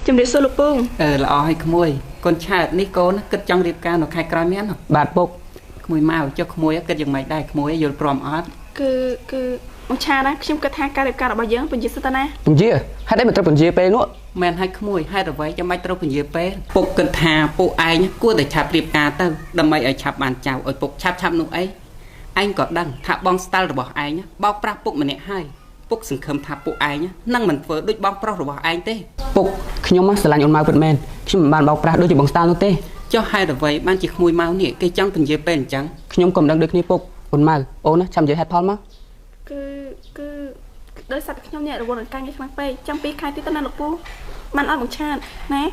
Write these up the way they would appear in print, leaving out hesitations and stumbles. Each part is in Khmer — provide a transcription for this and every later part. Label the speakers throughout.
Speaker 1: chấm điểm số lục bông
Speaker 2: là ai không mui con trai ní cô nó cất trong điệp ca nó khai cài miếng nó bạt bốc mùi màu cho không mui cất dừng mày đây không mui vô prom art
Speaker 1: cứ ông cha đó chấm cất hai ca điệp ca là bao giờ bên dưới satana
Speaker 3: bên dưới hai đấy mình trâu bên dưới pe nữa
Speaker 2: men hai không mui hai rồi vậy cho mày trâu bên dưới pe bốc cẩn thà bốc ai nhá cua để chạp điệp ca tao đâm mày ở chạp bàn chào ở bốc chạp nụ ấy anh có đăng thả bong style rồi bỏ ai nhá bao pra bốc mình nè hai bốc sừng khâm thả bốc ai nhá năng mình vừa đôi bong pro rồi bỏ ai tê
Speaker 3: bốc khi nhóm sẽ là những màu vượt men khi mà bàn bao pra đôi chỉ bong style nữa tê
Speaker 2: cho hai rồi vậy ban chỉ mùi máu nè cây trắng từng dưới pen trắng
Speaker 3: khi nhóm cầm đăng được ní bốc ôn màu ôn á chăm dưới head palm á
Speaker 1: cứ đôi sạch nhóm nhẹ rồi buồn cay như khăn pe trong pi khai tí tân năng lục bông man ăn một cha nè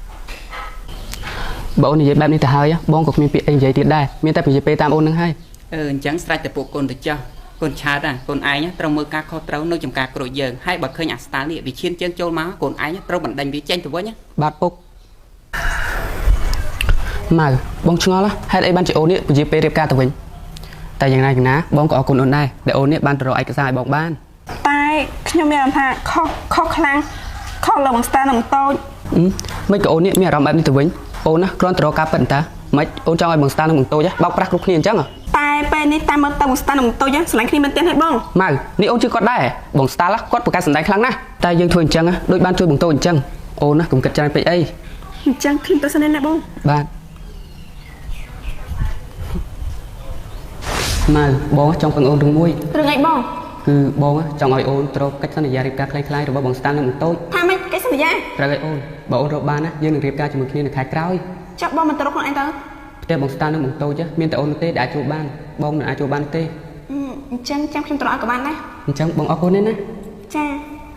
Speaker 3: bộ này dễ bạn đi từ hơi á bong cục miền biển anh dễ tiệt đai miền tây biển pe tam ôn năng hai
Speaker 2: trắng sai từ bộ con được cho con cha ra con ai nhá trong mưa cá kho trâu nơi trồng cá rồi giờ hai bậc khơi nhạc star liệt vì chiên chân châu máu con ai nhá trâu bẩn đánh vì tranh từ với nhá
Speaker 3: bát bốc mà bong chua lá hai đây ban chỉ ôn ấy bị pe đẹp ca từ mình tạiอย่างไรกันนะบองก็เอาคนโอนได้แต่โอนเนี่ยบ้านเราไอ้กระสายบอกบ้าน
Speaker 1: ตายខ្ញុំមានអារម្មណ៍ថាខុសខ្លាំងខុសលើបងស្តានឹងតូច
Speaker 3: មិនក៏អូននេះមានអារម្មណ៍បែបនេះទៅវិញអូនណាគ្រាន់តែរកការប៉ិនតាមិនអូនចង់ឲ្យបងស្តានឹងបងតូចបោកប្រាស់គ្រប់គ្នាអញ្ចឹង
Speaker 1: តែពេលនេះតាមមើលទៅបងស្តានឹងតូចស្រឡាញ់គ្នាមែនទេហេបង
Speaker 3: ម៉ៅនេះអូនជឿគាត់ដែរបងស្តាគាត់ប្រកាសសម្ដែងខ្លាំងណាស់តែយើងធ្វើអញ្ចឹងដូចបានជួយបងតូចអញ្ចឹងអូនណាកុំគិតច្រើនពេកអី
Speaker 1: អញ្ចឹងខ្ញុំទៅសិនណាបង
Speaker 3: បាទម៉ៅបងចង់ពឹងអូនរឿងមួយ
Speaker 1: រឿងអីបង
Speaker 3: គឺបងចង់ឲ្យអូនត្រូវកិច្ចសន្យារៀបការคล้ายៗរបស់បងស្តានឹងបងតូច
Speaker 1: ថាម៉េចកិច្ចសន្យា
Speaker 3: ត្រូវឲ្យអូនបើអូនរកបានណាយើងនឹងរៀបការជាមួយគ្នានៅខែក្រោយ
Speaker 1: ចាប់បងមិនត្រូវខ្លួនឯងទៅ
Speaker 3: ផ្ទះបងស្តានឹងបងតូចមានតែអូនទេដែលអាចចូលបានបងមិនអាចចូលបានទេ
Speaker 1: អញ្ចឹងចាំខ្ញុំត្រូវឲ្យក៏បានដែរ
Speaker 3: អញ្ចឹងបងអរគុណណា
Speaker 1: ចា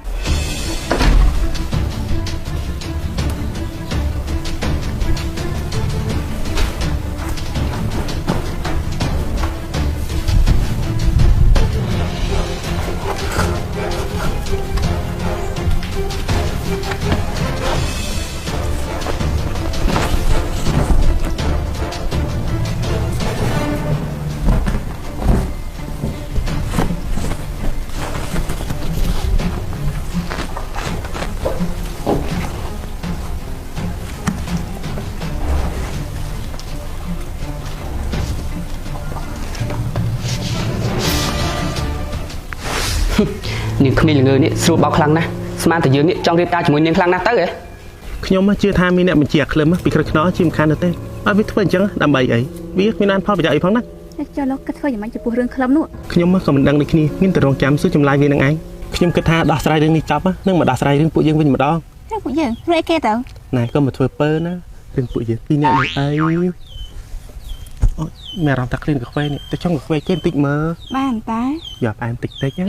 Speaker 3: នាងគ្មានល្ងើនេះស្រួលបោកខ្លាំងណាស់ស្មានតែយើងនេះចង់រៀបការជាមួយនាងខ្លាំងណាស់ទៅហ៎
Speaker 4: ខ្ញុំជឿថាមានអ្នកបញ្ជាក្លឹមពីក្រឹកខ្នោជាមិនខានទៅទេអត់វាធ្វើអញ្ចឹងដើម្បីអីវាគ្មានអានផលប្រយោជន៍អីផងណា
Speaker 1: ចុះលោកគិតធ្វើយ៉ាងម៉េចចំពោះរឿងក្លឹមនោះ
Speaker 4: ខ្ញុំក៏មិនដឹងដូចគ្នាមានតែរងចាំសួរចម្លើយវានឹងឯងខ្ញុំគិតថាដោះស្រាយរឿងនេះចប់នឹងមកដោះស្រាយរឿងពួកយើងវិញម្ដង
Speaker 1: រឿងពួកយើងរឿងអីគេទៅ
Speaker 4: ណែក៏មកធ្វើពើណារឿងពួកយើងពីរអ្នកនេះអីអូមានអារម្មណ៍ថាក្លៀនកាហ្វេនេះទៅចង់កាហ្វេគេបន្តិចមើល
Speaker 1: បានតា
Speaker 4: យកផ្អែមតិចណា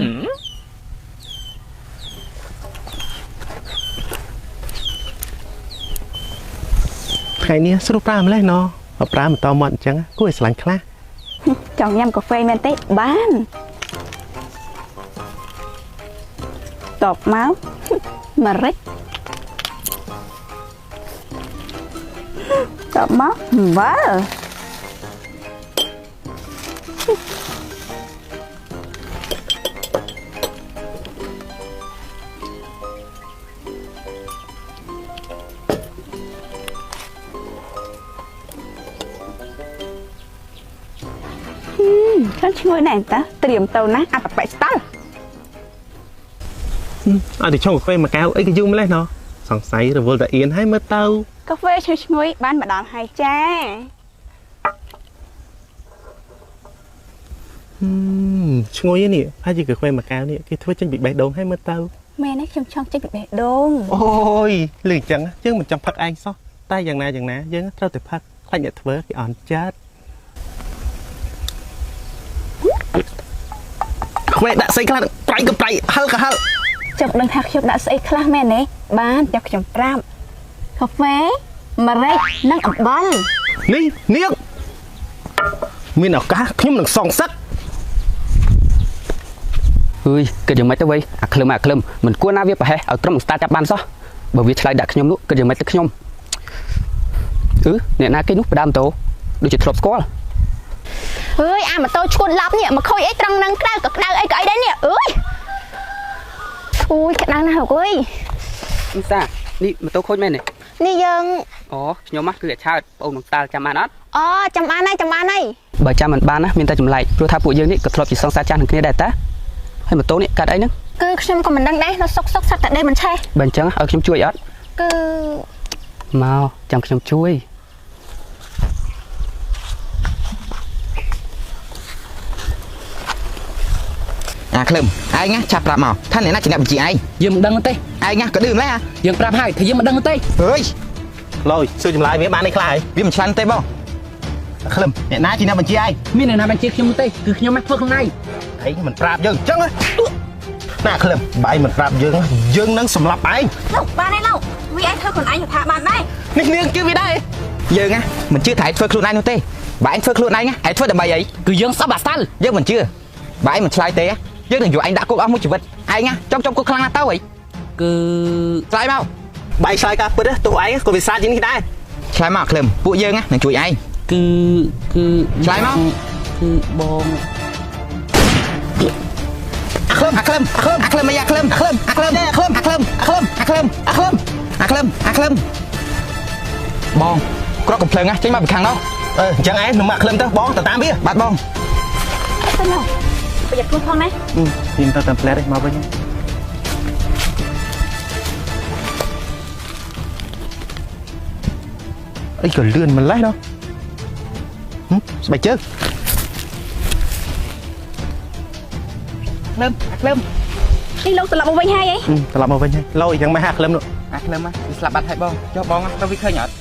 Speaker 4: ថ្ងៃនេះស្រួលប្រាម្លេះណោះប្រាមិនតមកអញ្ចឹងគួរឲ្យស្រឡាញ់ខ្លះ
Speaker 1: ចង់ញ៉ាំកាហ្វេមែនទេបានតបមកម្រេចតបមកវ៉ាខ្ញុំឈ្ងុយណាស់តាត្រៀមទៅណាអត្តបិស្តល់
Speaker 4: អត់ទៅឆុងកាហ្វេមួយកែវអីក៏យូរម្លេះណោះសង្ស័យរវល់តែអៀនហើយមើលទៅ
Speaker 1: កាហ្វេឈ្ងុយបានមកដល់ហើយចា
Speaker 4: ឈ្ងុយនេះហើយជាកាហ្វេមួយកែវនេះគេធ្វើចេញពីបេះដូងហើយមើលទៅ
Speaker 1: មែនទេខ្ញុំចង់ចេញពីបេះដូង
Speaker 4: អូយលឺអញ្ចឹងយើងមិនចាំផឹកឯងសោះតែយ៉ាងណាយើងត្រូវតែផឹកខ្លាចអ្នកធ្វើគេអន់ចិត្តខ្វេដាក់ស្អីខ្លះប្រៃក៏ប្រៃហឹលក៏ហឹល
Speaker 1: ចាំដឹងថាខ្ញុំដាក់ស្អីខ្លះមែនទេបានចាំខ្ញុំប្រាប់កាហ្វេម្រេចនិងអំបិល
Speaker 4: នេះនាងមានឱកាសខ្ញុំនឹងសងសឹក
Speaker 3: អើយគិតយ៉ាងម៉េចទៅវៃអាក្លឹមមិនគួរណាវាប្រហែសឲ្យក្រុមស្តាចាប់បានសោះបើវាឆ្លៃដាក់ខ្ញុំនោះគិតយ៉ាងម៉េចទៅខ្ញុំអ្នកណាគេនោះផ្ដាំតោដូចជាធ្លាប់ស្គាល់
Speaker 1: អើយអាម៉ូតូឈួតឡប់នេះមកខូចអីត្រង់នឹងក្តៅក៏ក្តៅអីក៏អីដែរនេះអើយអូយក្តៅណាស់លោកអើយ
Speaker 3: អ៊ីសានេះម៉ូតូខូចមែនទេ
Speaker 5: នេះយើង
Speaker 3: អូខ្ញុំមកគឺឆើតបងនឹងតាល់ចាំបានអត់
Speaker 5: អូចាំបានហើយ
Speaker 3: បើចាំមិនបានណាមានតែចម្លែកព្រោះថាពួកយើងនេះក៏ធ្លាប់ជាសង្សារចាស់នឹងគ្នាដែរតាហើយម៉ូតូនេះកាត់អីហ្នឹង
Speaker 5: គឺខ្ញុំក៏មិនដឹងដែរនៅសុកសុកសត្វតែដេកមិនឆេះ
Speaker 3: បើអញ្ចឹងឲ្យខ្ញុំជួយអត់
Speaker 5: គឺ
Speaker 3: មកចាំខ្ញុំជួយ
Speaker 6: អាក្លឹមឯងណាចាប់ប្រាប់មកថាអ្នកណាជាអ្នកបញ្ជាឯង
Speaker 3: យើងមិនដឹងទេ
Speaker 6: ឯងណាក៏ឌឺម្ល៉េះ
Speaker 3: យើងប្រាប់ហើយថាយើងមិនដឹងទេ
Speaker 6: អើយ
Speaker 4: ឡយសួរចម្លើយវាបាននេះខ្លះហើយ
Speaker 6: វាមិនឆ្លាញ់ទេបង
Speaker 4: ក្លឹមអ្នកណាជាអ្នកបញ្ជាឯង
Speaker 3: មានអ្នកណាបញ្ជាខ្ញុំទេគឺខ្ញុំមកធ្វើខ្លួនឯង
Speaker 4: ឯងមិនប្រាប់យើងអញ្ចឹងណាក្លឹមបើឯងមិនប្រាប់យើងនឹងសម្លាប់ឯង
Speaker 5: លោកបានហើយលោកវាឯងធ្វើខ្លួនឯងថាបានដែរ
Speaker 4: នេះនាងជឿវាដែរ
Speaker 6: យើងណាមិនជឿថាឯងធ្វើខ្លួនឯងនោះទេបើឯងធ្វើខ្លួនឯងឯងធ្វើដើម្បីអី
Speaker 3: គឺយើងសពអាសាល់
Speaker 6: យើងមិនជឿបើឯងមិនឆ្លើយទេយើងនឹងយកឯងដាក់គុកអស់មួយជីវិតឯងណាចំគុកខ្លាំងណាស់ទៅអី
Speaker 3: គឺ
Speaker 6: ឆ្លើយមក
Speaker 4: បើឯងឆ្លើយការពិតទោះឯងក៏វាសាជាងនេះដែរ
Speaker 6: ឆ្លើយមកក្លឹមពួកយើងណានឹងជួយឯង
Speaker 3: គឺ
Speaker 6: ឆ្លើយមក
Speaker 3: គឺបង
Speaker 6: អាក្លឹមអីអាក្លឹមបងក្រកកំភ្លើងណាចេញមកពីខាងនោះ
Speaker 4: អញ្ចឹងឯងនឹងមកក្លឹមទៅបងទៅតាមវា
Speaker 6: បាទបង
Speaker 5: ទៅលោកប្រយ័ត្នខ្លួនផងណា
Speaker 4: ខ្ញុំទៅតាមផ្លែទេមកវិញអីក៏លឿនម្លេះដល់ស្បែកជើង
Speaker 6: ក្លឹម
Speaker 5: នេះលោកត្រឡប់មកវិញហើយអី
Speaker 4: ត្រឡប់មកវិញហើយឡយយ៉ាងម៉េចហាក្លឹមនោះ
Speaker 6: អាក្លឹមស្លាប់បាត់ហើយបងចុះបងទៅវាឃើញអត់